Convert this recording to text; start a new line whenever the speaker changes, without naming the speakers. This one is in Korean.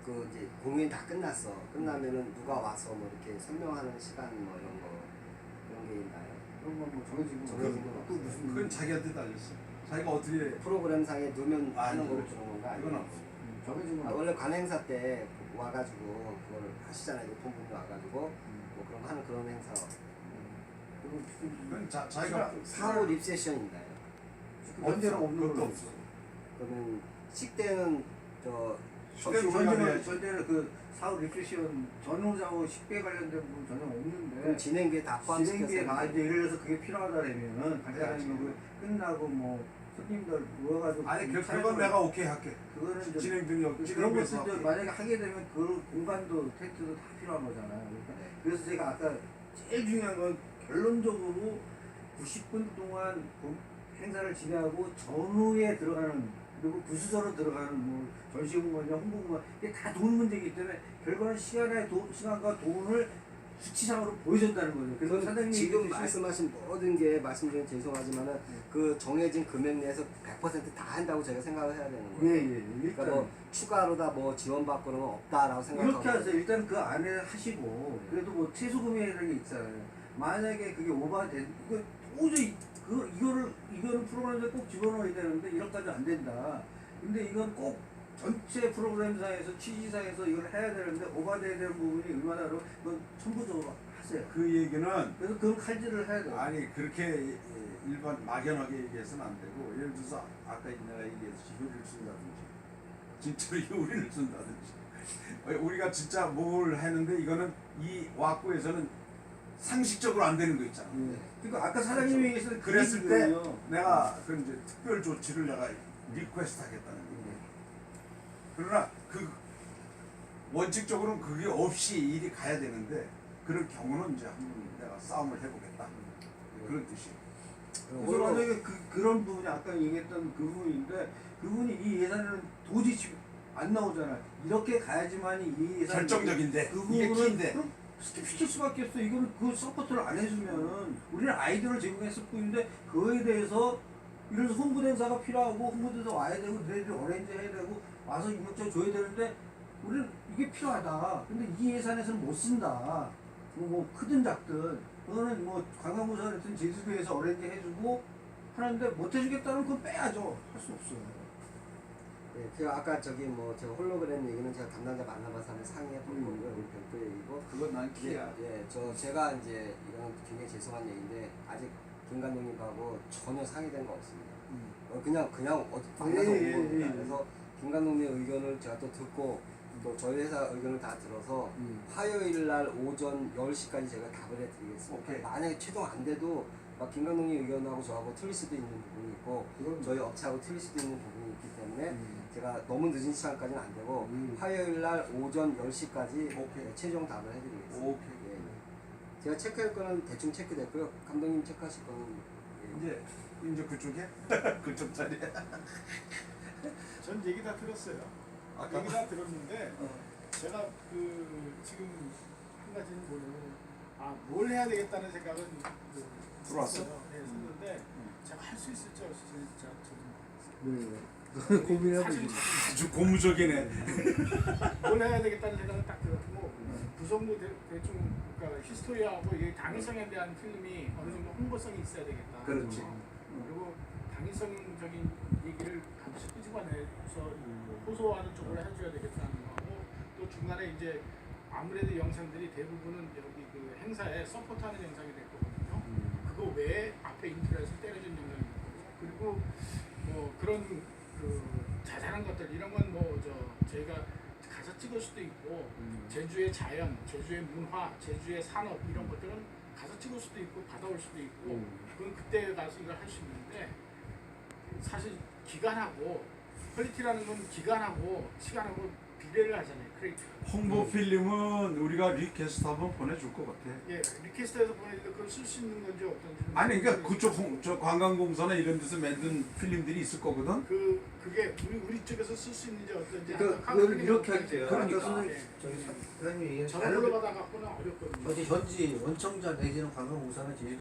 그 이제 공연이 다 끝났어. 끝나면은 누가 와서 뭐 이렇게 설명하는 시간 뭐 이런 거 그런 게 있나요?
그런 건뭐 정해진 건
정해진 건
또
없어요.
무슨
그건 자기한테 달렸어. 자기가 어떻게
프로그램상에 넣으면 하는
아니,
거를 주는 건가?
그건
아니면
없어.
정해진 건
원래 관행사 때 와가지고 그거를 하시잖아요. 높은 분이 와가지고 뭐 그런 거 하는 그런 행사.
그건 무슨
그건 자기가
사후 립세션인가요?
언제나 없는
그것도
걸로
없어.
그러면 식대는 저
식대는 우리가 해야지.
전에는 그 사후 리프레시온 전후사후 식대 관련된 부분 전혀 없는데
그럼 진행비에 다 포함시켜서
진행비에 다 이제 예를 들어서 그게 필요하다면은 간단하게 그 끝나고 뭐 손님들 모여가지고
아니
촬영을-
그건 내가 오케이 할게.
그거는 이제
진행 능력
그런
진행해서
것들도 만약에 하게 되면 그 공간도 텐트도 다 필요한 거잖아요. 그러니까 그래서 제가 아까 제일 중요한 건 결론적으로 90분 동안 행사를 진행하고 전후에 들어가는 그리고 부수저로 들어가는 뭐 전시공간이나 홍보공간 이게 다 돈 문제이기 때문에 결과는 시간과 돈을 수치상으로 보여준다는 거죠. 그래서 사장님이
지금
얘기했듯이
말씀하신 모든 게 말씀 중에 죄송하지만은 그 정해진 금액 내에서 100%다 한다고 제가 생각을 해야 되는 거예요.
예,
그러니까
일단
뭐 추가로다 뭐 지원받고는 없다라고 생각하고
이렇게 하세요. 일단 그 안에 하시고 그래도 뭐 최소 금액이라는 게 있잖아요. 만약에 그게 오버된 이거 도저히 이거는 프로그램에 꼭 집어넣어야 되는데 이런까지 안 된다. 근데 이건 꼭 전체 프로그램상에서 취지상에서 이걸 해야 되는데 오버돼야 되는 부분이 얼마나로 그건 천부적으로 하세요.
그 얘기는
그래서 그건 칼질을 해야 돼요.
아니 그렇게 일반 막연하게 얘기해서는 안 되고 예를 들어서 아까 내가 얘기했듯이 효리를 쓴다든지 진짜로 효리를 쓴다든지 우리가 진짜 뭘 했는데 이거는 이 왁구에서는 상식적으로 안 되는 거 있잖아.
그러니까 아까 사장님이 얘기했을
그랬을 때 내가 그 이제 특별 조치를 내가 리퀘스트 하겠다는 거예요. 그러나 그 원칙적으로는 그게 없이 일이 가야 되는데 그런 경우는 이제 한번 내가 싸움을 해보겠다 그런 뜻이에요.
그래서 만약에 그런 부분이 아까 얘기했던 그 부분인데 그분이 이 예산은 도저히 안 나오잖아요. 이렇게 가야지만이 이 예산
결정적인데
그
이게
부분은
키인데
그럼 스킵시킬 수밖에 없어. 이거는 그 서포트를 안 해주면은 우리는 아이디어를 제공했을 뿐인데 그거에 대해서 이런 홍보대사가 필요하고 홍보대사 와야 되고 너희들이 어레인지 해야 되고 와서 이것저것 줘야 되는데 우리는 이게 필요하다. 근데 이 예산에서는 못 쓴다. 뭐 크든 작든 그거는 뭐 관광부서든 제주도에서 어레인지 해주고 하는데 못 해주겠다는 건 빼야죠. 할 수 없어요.
네, 제가 아까 저기 뭐 제가 홀로그램 얘기는 제가 담당자 만나봐서 한번 상의해 볼 거고요. 우리 별도 얘기고.
그건 난 키야.
제가 이제 이건 굉장히 죄송한 얘기인데 아직 김 감독님하고 전혀 상의된 거 없습니다. 그냥 어디 만나서 온 겁니다. 그래서 김 감독님의 의견을 제가 또 듣고 또 저희 회사 의견을 다 들어서 화요일 날 오전 10시까지 제가 답을 해드리겠습니다.
오케이.
만약에 최종 안 돼도 막 김 감독님 의견하고 저하고 틀릴 수도 있는 부분이 있고 저희 업체하고 틀릴 수도 있는 부분이 있기 때문에 제가 너무 늦은 시간까지는 안 되고 화요일 날 오전 10시까지
오케이.
최종 답을 해드리겠습니다.
오케이.
예. 제가 체크할 거는 대충 체크됐고요. 감독님 체크하실 거는
이제 그쪽에 그쪽 자리에
전 얘기 다 들었어요.
아까
얘기 다 들었는데 제가 그 지금 한 가지는 뭘 해야 되겠다는 생각은
들어왔어?
네, 했는데 제가 할 수 있을지 진짜
고민하고
사실
있어요.
아주 고무적이네.
뭘 해야 되겠다는 생각은 딱 들었고 구성도 대충 그러니까 히스토리하고 이 당위성에 대한 필름이 어느 정도 홍보성이 있어야 되겠다.
그렇지.
그리고 당위성적인 얘기를 반드시 끄집어내서 호소하는 쪽으로 해줘야 되겠다는 거고 또 중간에 이제 아무래도 영상들이 대부분은 여기 그 행사에 서포트하는 영상이 될 거거든요. 그거 외에 앞에 인트로에서 때려준 영상이 있고 그리고 뭐 그런 그 자잘한 것들 이런 건 뭐 저희가 가서 찍을 수도 있고 제주의 자연, 제주의 문화, 제주의 산업 이런 것들은 가서 찍을 수도 있고 받아올 수도 있고 그건 그때 가서 이걸 할 수 있는데 사실 기간하고 퀄리티라는 건 기간하고 시간하고 비례를 하잖아요. 그러니까
홍보 필름은 우리가 리퀘스트 한번 보내줄 것 같아.
예, 리퀘스트에서 보내는데 그걸 쓸 수 있는 건지 어떤지
아니 그러니까 그쪽 저 관광공사나 이런 데서 만든 필름들이 있을 거거든.
그게 우리 쪽에서 쓸 수 있는지 어떤지
그러니까 그걸 이렇게 할게요.
그러니까.
아까 선생님 저기 사장님이 얘기한
전화로 받아 갖고는 어렵거든요.
어디 현지 원청자 내지는 관광공사나 제주